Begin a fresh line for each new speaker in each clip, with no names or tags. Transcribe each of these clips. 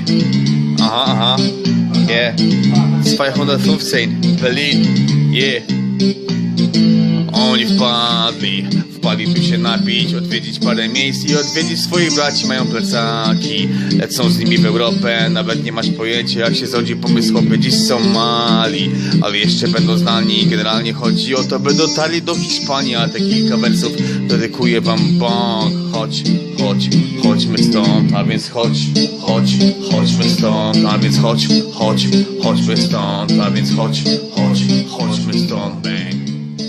Aha. Yeah. 215, Berlin. Yeah. Oni wpadli tu się napić, odwiedzić parę miejsc i odwiedzić swoich braci, mają plecaki. Lecą z nimi w Europę, nawet nie masz pojęcia jak się zrodzi pomysł, chłopy dziś są mali, ale jeszcze będą znani. Generalnie chodzi o to, by dotarli do Hiszpanii, a te kilka wersów dedykuję wam bąk. Chodźmy stąd, a więc chodźmy stąd, a więc chodźmy stąd, a więc chodźmy stąd, bang.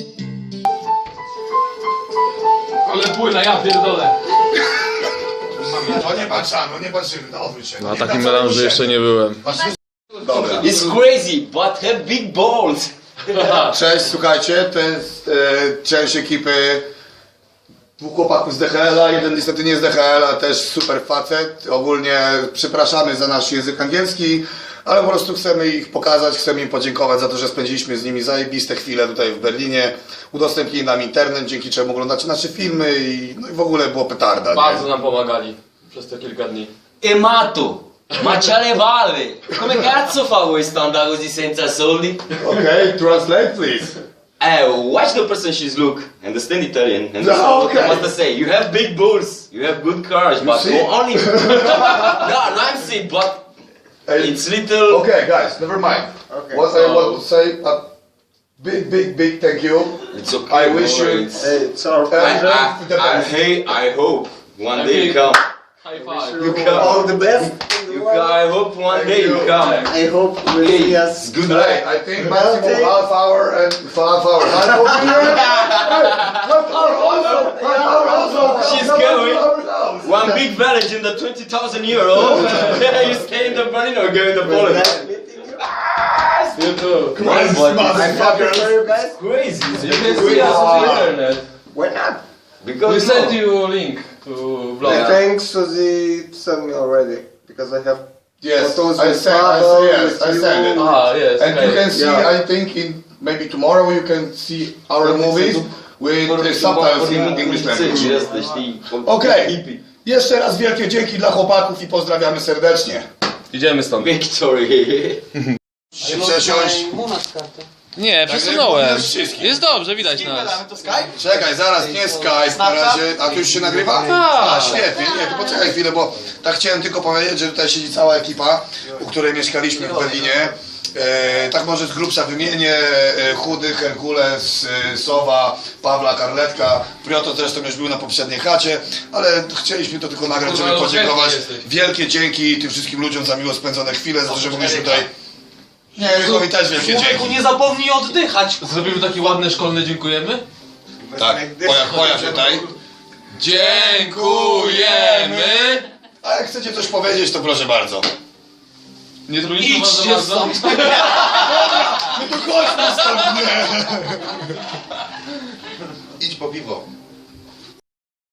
Ale płyna, ja pierdolę.
No nie patrzamy, nie patrzymy, no odwróć się.
Na takim melanży jeszcze nie byłem.
Dobra.
It's crazy, but have big balls.
Cześć, słuchajcie, to jest część ekipy dwóch chłopaków z DHL-a, jeden niestety nie z DHL-a, też super facet. Ogólnie przepraszamy za nasz język angielski, ale po prostu chcemy ich pokazać, chcemy im podziękować za to, że spędziliśmy z nimi zajebiste chwile tutaj w Berlinie. Udostępnili nam internet, dzięki czemu oglądacie nasze filmy i, no i w ogóle było petarda.
Bardzo nam pomagali przez te kilka dni.
E mato, ma c'ha vale. Come cazzo fa questo andare così senza soldi?
Okay, translate please.
Watch the person she's look. Understand Italian. And
No,
so
okay.
what to say? You have big balls. You have good cars, but
see?
you only. no, I'm saying, but it's little.
Okay, guys, never mind.
Okay.
What I want to say, big thank you.
It's okay.
I wish you.
It's our pleasure.
The best.
I hope one day you come.
High five.
You come.
All the best.
You come. I hope one day you come.
I hope we'll see us.
Good
Hey,
night.
I think maximum half hour and half hour. Half hour also.
She's going. One big village in the 20,000 euro. You stay in the Berlin or go in the Poland?
Nice meeting you.
You too.
Come on,
I'm happy for you guys.
Crazy.
You can see us on the internet.
Why not?
Because
We sent you a link to vlog.
Thanks, Suzy sent me already because I have
Yes,
photos
I
with
send.
Pavel,
Yes,
with
I
you.
send it.
Ah, yes.
And you
okay.
can see,
Yeah.
I think in maybe tomorrow you can see our movies with the subtitles in English language. Okay. Jeszcze raz wielkie dzięki dla chłopaków i pozdrawiamy serdecznie.
Idziemy stąd.
Victory.
Przesiąść.
Nie, przesunąłem.
wszystkich.
Jest dobrze, widać nas.
Czekaj, zaraz, nie Skype, na razie, a tu już się nagrywa? A, świetnie, nie, to poczekaj chwilę, bo tak chciałem tylko powiedzieć, że tutaj siedzi cała ekipa, u której mieszkaliśmy w Berlinie. Tak może z grubsza wymienię, Chudy, Herkules, Sowa, Pawla, Karletka, Prioto zresztą już był na poprzedniej chacie, ale chcieliśmy to tylko nagrać, żeby podziękować. Wielkie dzięki tym wszystkim ludziom za miło spędzone chwile, za to, że mogliśmy tutaj... Nie, Rychowi też wielkie dzięki.
Nie zapomnij oddychać!
Zrobimy taki ładny szkolny dziękujemy?
Tak, pojaw tutaj.
Dziękujemy!
A jak chcecie coś powiedzieć, to proszę bardzo.
Nie trudnijcie was za
Idźcie
bardzo?
stąd!
No to chodźmy stąd, nie! Idź po piwo.